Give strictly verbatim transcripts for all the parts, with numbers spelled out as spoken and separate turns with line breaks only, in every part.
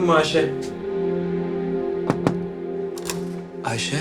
mu Ayşe? Ayşe?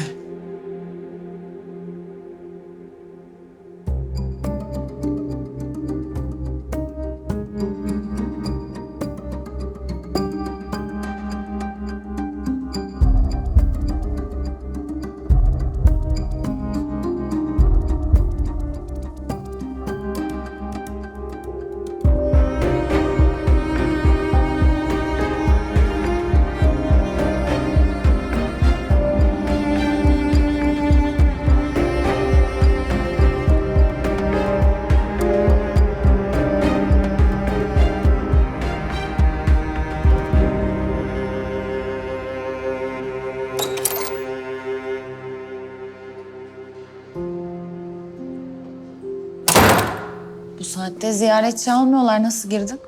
Bu saatte ziyaretçi almıyorlar. Nasıl girdin?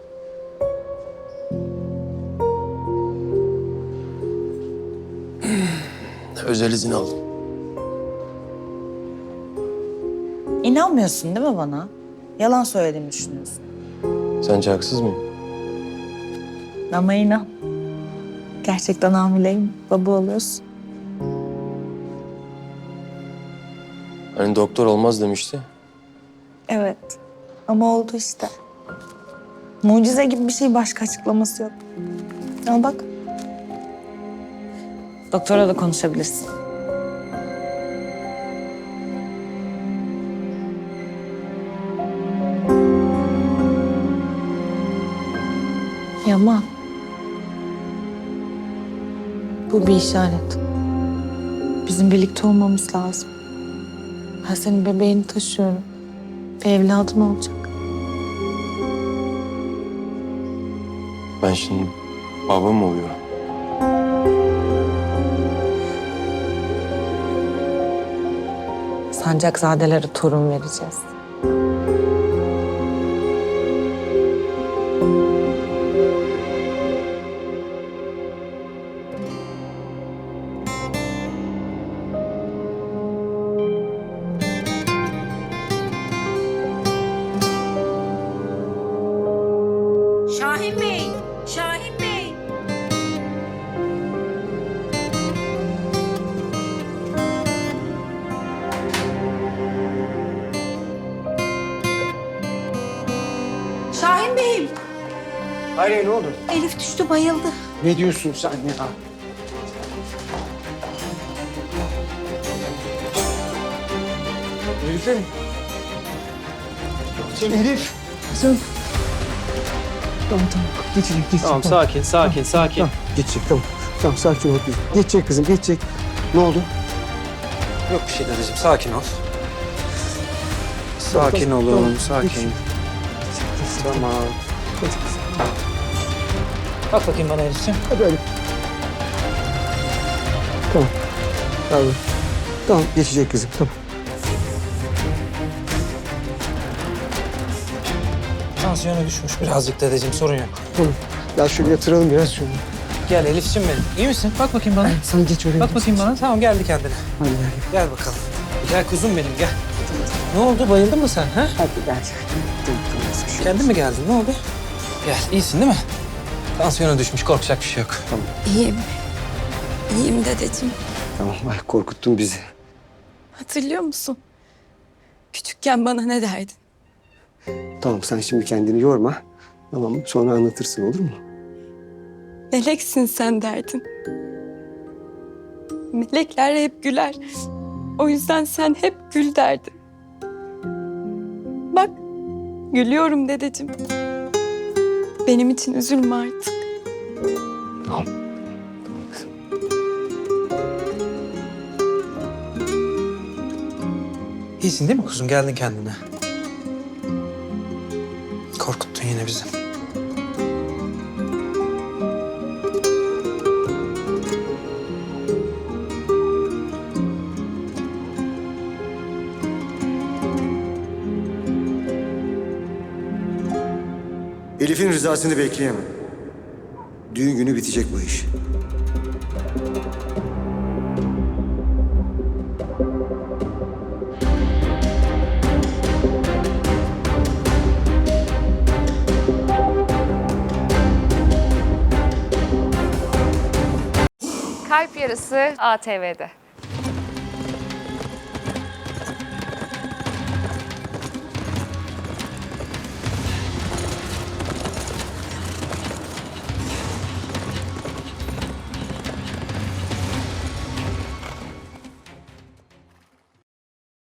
Özel izin aldım.
İnanmıyorsun değil mi bana? Yalan söylediğimi düşünüyorsun.
Sence haksız mıyım?
Ama inan. Gerçekten hamileyim. Baba oluyorsun.
Hani doktor olmaz demişti.
Evet. Ama oldu işte. Mucize gibi bir şey, başka açıklaması yok. Al bak. Doktora da konuşabilirsin. Yaman. Bu bir işaret. Bizim birlikte olmamız lazım. Ben senin bebeğini taşıyorum. Bir evladım olacak.
Ben şimdi baba mı oluyorum?
Sancakzadelere torun vereceğiz.
Şahin Bey! Şahin Bey! Şahin Bey'im!
Hayır, ne oldu?
Elif düştü, bayıldı.
Ne diyorsun sen ya? Elif'e mi? Elif, kızım. Tamam, tamam. Geçecek, geçecek.
Tamam, sakin, sakin, sakin.
Tamam, geçecek, tamam. Tamam, sakin ol. Geçecek kızım, geçecek. Ne oldu?
Yok bir şey dedeciğim, sakin ol. Sakin olun,
Tamam,
sakin.
geçecek.
Tamam.
Hadi kızım.
Bak bakayım bana Elif'ciğim.
Hadi öyle. Tamam. Tamam. Tamam, geçecek kızım, tamam.
Tansiyonu düşmüş birazcık dedeciğim, sorun yok.
Tamam. Ya şöyle yatıralım biraz şunu.
Gel Elif'ciğim benim. İyi misin? Bak bakayım bana.
Sen geç oraya.
Bak bakayım bana. Tamam, geldi kendine.
Hadi gel.
Gel bakalım. Gel kuzum benim, gel. Ne oldu, bayıldın mı sen? Ha?
Hadi gel. Tamam, tamam.
Kendin mi geldin, ne oldu? Gel, iyisin değil mi? Tansiyonu düşmüş, korkacak bir şey yok.
İyiyim. İyiyim dedeciğim.
Tamam, ay korkuttun bizi.
Hatırlıyor musun? Küçükken bana ne derdin?
Tamam, sen şimdi kendini yorma. Tamam mı? Sonra anlatırsın, olur mu?
Meleksin sen derdin. Melekler hep güler. O yüzden sen hep gül derdin. Bak, gülüyorum dedeciğim. Benim için üzülme artık.
Tamam. Tamam kızım.
İyisin değil mi kuzum? Geldin kendine. Korkuttun yine bizi.
Elif'in rızasını bekleyemem. Düğün günü bitecek bu iş.
yarısı A T V'de.